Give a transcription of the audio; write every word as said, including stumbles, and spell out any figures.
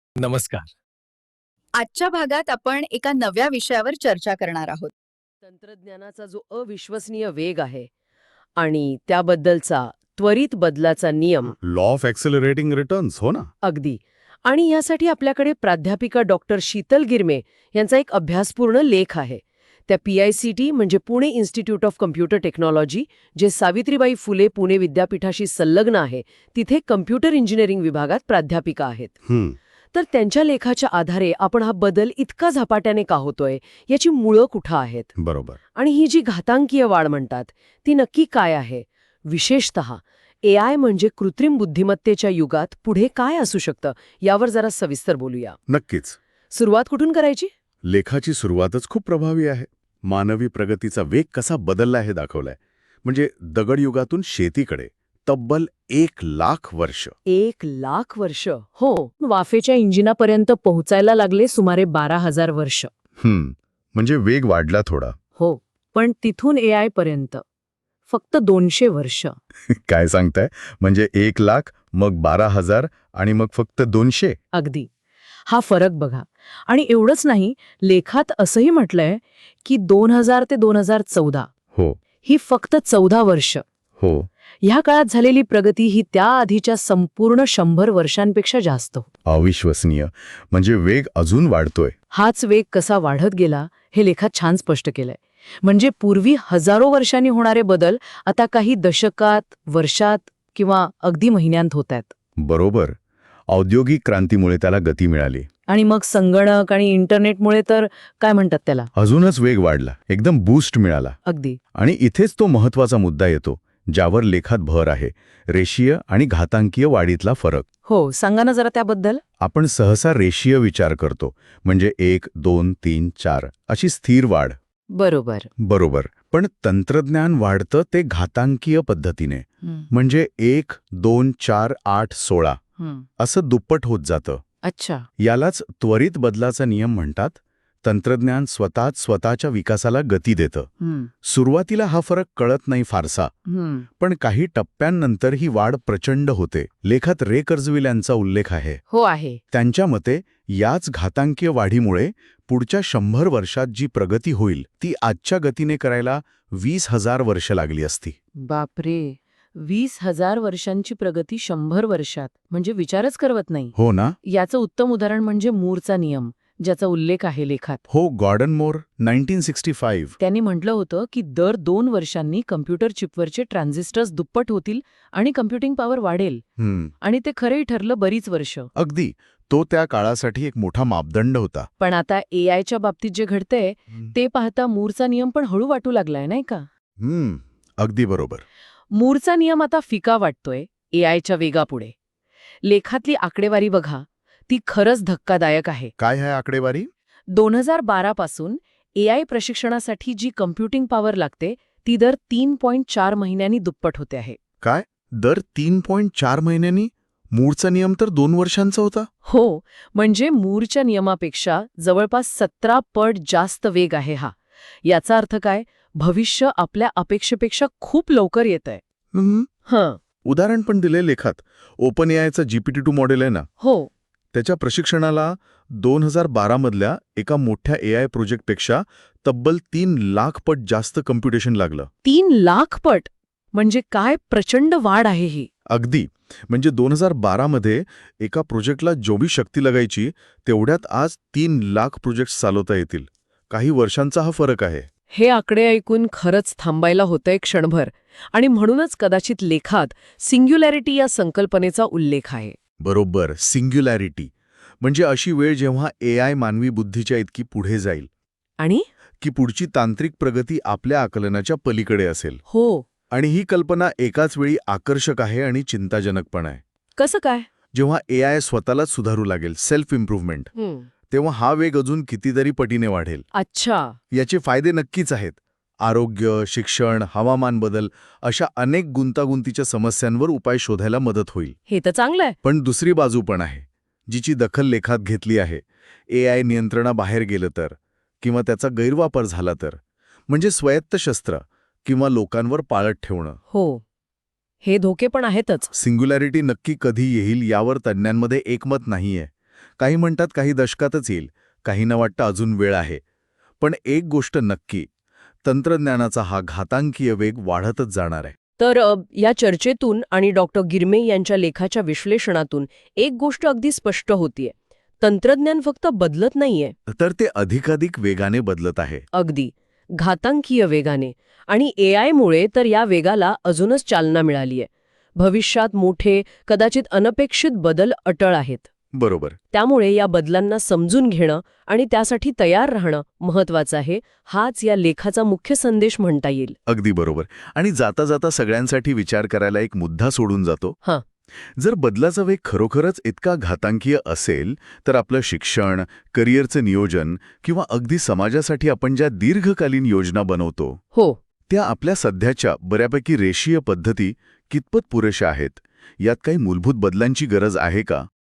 नमस्कार. आजच्या भागात आपण एका नव्या विषयावर चर्चा करणार आहोत. तंत्रज्ञानाचा जो अविश्वसनीय वेग आहे आणि त्याबद्दलचा त्वरित बदलाचा नियम. लॉ ऑफ ॲक्सेलरेटिंग रिटर्न्स, हो ना. अगदी. आणि यासाठी आपल्याकडे प्राध्यापिका डॉक्टर शीतल गिरमे यांचा एक अभ्यासपूर्ण लेख आहे. त्या पी आय सी टी म्हणजे Pune institute of computer technology, जे सावित्रीबाई फुले पुणे विद्यापीठाशी संलग्न आहे, तिथे कम्प्युटर इंजिनिअरिंग विभागात प्राध्यापिका आहेत. हं, तर त्यांच्या लेखाच्या आधारे आपण हा बदल इतका झपाट्याने का होतोय याची मुळं कुठं आहेत बरोबर. आणि ही जी घातांकीय वाढ म्हणतात ती नक्की काय आहे. विशेषतः ए आय म्हणजे कृत्रिम बुद्धिमत्तेच्या युगात पुढे काय असू शकतं यावर जरा सविस्तर बोलूया. नक्कीच. सुरुवात कुठून करायची? लेखाची सुरुवातच खूप प्रभावी आहे. मानवी प्रगतीचा वेग कसा बदलला हे दाखवलाय. म्हणजे दगडयुगातून शेतीकडे तब्बल एक लाख वर्ष. एक लाख वर्ष. हो. वाफेच्या इंजिनापर्यंत पोहोचायला लागले सुमारे बारा हजार वर्ष. हं, म्हणजे वेग वाढला थोडा. हो. पण तिथून ए आय पर्यंत फक्त दोनशे वर्ष. काय सांगताय? म्हणजे एक लाख, मग बारा हजार आणि मग फक्त दोनशे. अगदी. हा फरक बघा. आणि एवढंच नाही, लेखात असंही म्हटलंय की दोन हजार ते दोन हजार चौदा हो ही फक्त चौदा वर्ष. हो ह्या काळात झालेली प्रगती ही त्या आधीच्या संपूर्ण शंभर वर्षांपेक्षा जास्त. अविश्वसनीय. म्हणजे वेग अजून वाढतोय. हाच वेग कसा वाढत गेला हे लेखात छान स्पष्ट केलंय. म्हणजे पूर्वी हजारो वर्षांनी होणारे बदल आता काही दशकात, वर्षात किंवा अगदी महिन्यांत होत आहेत. बरोबर. औद्योगिक क्रांतीमुळे त्याला गती मिळाली. आणि मग संगणक आणि इंटरनेटमुळे तर काय म्हणतात त्याला, अजूनच वेग वाढला, एकदम बूस्ट मिळाला. अगदी. आणि इथेच तो महत्वाचा मुद्दा येतो ज्यावर लेखात भर आहे, रेषीय आणि घातांकीय वाढीतला फरक. हो, सांगा ना जरा त्याबद्दल. आपण सहसा रेषीय विचार करतो, म्हणजे एक दोन तीन चार अशी स्थिर वाढ. बरोबर. बरोबर. पण तंत्रज्ञान वाढतं ते घातांकीय पद्धतीने, म्हणजे एक दोन चार आठ सोळा असं दुप्पट होत जातं. अच्छा. यालाच त्वरित बदलाचा नियम म्हणतात. तंत्रज्ञान स्वतःच स्वतःच्या विकासाला गती देतं. सुरुवातीला हा फरक कळत नाही फारसा, पण काही टप्प्यांनंतर ही वाढ प्रचंड होते. लेखात रे कर्जविल यांचा उल्लेख आहे. हो आहे. त्यांच्या मते याच घातांकीय वाढीमुळे पुढच्या शंभर वर्षात जी प्रगती होईल ती आजच्या गतीने करायला वीस हजार वर्ष लागली असती. बापरे. वीस हजार वर्षांची प्रगती शंभर वर्षात, म्हणजे विचारच करवत नाही. हो ना. याचं उत्तम उदाहरण म्हणजे मूरचा नियम, ज्याचा उल्लेख आहे लेखात. हो, Gordon Moore nineteen sixty five. त्यांनी म्हटलं होतं की दर दोन वर्षांनी कम्प्युटर चिपवरचे ट्रान्झिस्टर्स दुप्पट होतील आणि कम्प्युटिंग पॉवर वाढेल. हम्म, आणि ते खरंही ठरलं बरीच वर्ष. अगदी. तो त्या काळासाठी एक मोठा मापदंड होता. पण आता ए आयच्या बाबतीत जे घडतंय ते पाहता मूरचा नियम पण हळू वाटू लागलाय, नाही का? हम्म, अगदी बरोबर. मूरचा नियम आता फिका वाटतोय ए आयच्या वेगापुढे. लेखातली आकडेवारी बघा, ती खरंच धक्कादायक आहे. काय आहे आकडेवारी? दोन हजार बारा पासून ए आय प्रशिक्षणासाठी जी कम्प्युटिंग पॉवर लागते ती दर तीन पॉइंट चार महिन्यांनी दुप्पट होते आहे. काय? दर तीन पॉइंट चार महिन्यांनी? मूळचा नियम तर दोन वर्षांचा होता. हो, म्हणजे मूरच्या नियमापेक्षा जवळपास सतरा पट जास्त वेग आहे हा. याचा अर्थ काय? भविष्य आपल्या अपेक्षेपेक्षा खूप लवकर येतंय. हम्म, हं. उदाहरण पण दिले लेखात. ओपन एआयचा जीपीटी टू मॉडेल आहे ना, हो. त्याच्या प्रशिक्षणाला दोन हजार बारा मधल्या एका मोठ्या एआय प्रोजेक्टपेक्षा तब्बल तीन लाख पट जास्त कम्प्युटेशन लागलं. तीन लाख पट? म्हणजे काय प्रचंड वाढ आहे ही. अगदी. म्हणजे दोन हजार बारा मध्ये एका प्रोजेक्टला जेवढी शक्ती लागायची तेवढ्यात आज तीन लाख प्रोजेक्ट्स चालवता येतील. काही वर्षांचा हा फरक आहे. हे आकडे ऐकून खरंच थांबायला होतंय क्षणभर. आणि म्हणूनच कदाचित लेखात सिंग्युलॅरिटी या संकल्पनेचा उल्लेख आहे. बरोबर. सिंग्युलॅरिटी म्हणजे अशी वेळ जेव्हा एआय मानवी बुद्धीच्या इतकी पुढे जाईल आणि की पुढची तांत्रिक प्रगती आपल्या आकलनाच्या पलीकडे असेल. हो. आणि ही कल्पना एकाच वेळी आकर्षक आहे आणि चिंताजनक पण आहे. कसं काय? जेव्हा एआय स्वतःलाच सुधारू लागेल, सेल्फ इम्प्रूव्हमेंट, तेव्हा हा वेग अजून कितीतरी पटीने वाढेल. अच्छा. याचे फायदे नक्कीच आहेत. आरोग्य, शिक्षण, हवामान बदल अशा अनेक गुंतागुंतीच्या समस्यांवर उपाय शोधायला मदत होईल. हे तर चांगलंय. पण दुसरी बाजू पण आहे, जिची दखल लेखात घेतली आहे. एआय नियंत्रणाबाहेर गेलं तर, किंवा त्याचा गैरवापर झाला तर, म्हणजे स्वायत्त शस्त्र किंवा लोकांवर पाळत ठेवणं. हो, हे धोके पण आहेतच. सिंग्युलॅरिटी नक्की कधी येईल यावर तज्ज्ञांमध्ये एकमत नाहीये. काही म्हणतात काही दशकातच येईल, काहींना वाटतं अजून वेळ आहे. पण एक गोष्ट नक्की, तंत्रज्ञानाचा हा घातांकीय वेग वाढतच जाणार आहे. तर अ, या चर्चेतून आणि डॉक्टर गिरमे यांच्या लेखाच्या विश्लेषणातून एक गोष्ट अगदी स्पष्ट होतीये. तंत्रज्ञान फक्त बदलत नाहीये, तर ते अधिकाधिक वेगाने बदलत आहे. अगदी घातांकीय वेगाने. आणि ए आयमुळे तर या वेगाला अजूनच चालना मिळालीये. भविष्यात मोठे, कदाचित अनपेक्षित बदल अटळ आहेत. बरोबर. त्यामुळे या बदलांना समजून घेणं आणि त्यासाठी तयार राहणं महत्वाचं आहे. हाच या लेखाचा मुख्य संदेश म्हणता येईल. अगदी बरोबर. आणि जाता जाता सगळ्यांसाठी विचार करायला एक मुद्दा सोडून जातो. हां. जर बदलाचा वेग खरोखरच इतका घातांकीय असेल, तर आपलं शिक्षण, करिअरचं नियोजन किंवा अगदी समाजासाठी आपण ज्या दीर्घकालीन योजना बनवतो, हो. त्या आपल्या सध्याच्या बऱ्यापैकी रेषीय पद्धती कितपत पुरेशा आहेत? यात काही मूलभूत बदलांची गरज आहे का?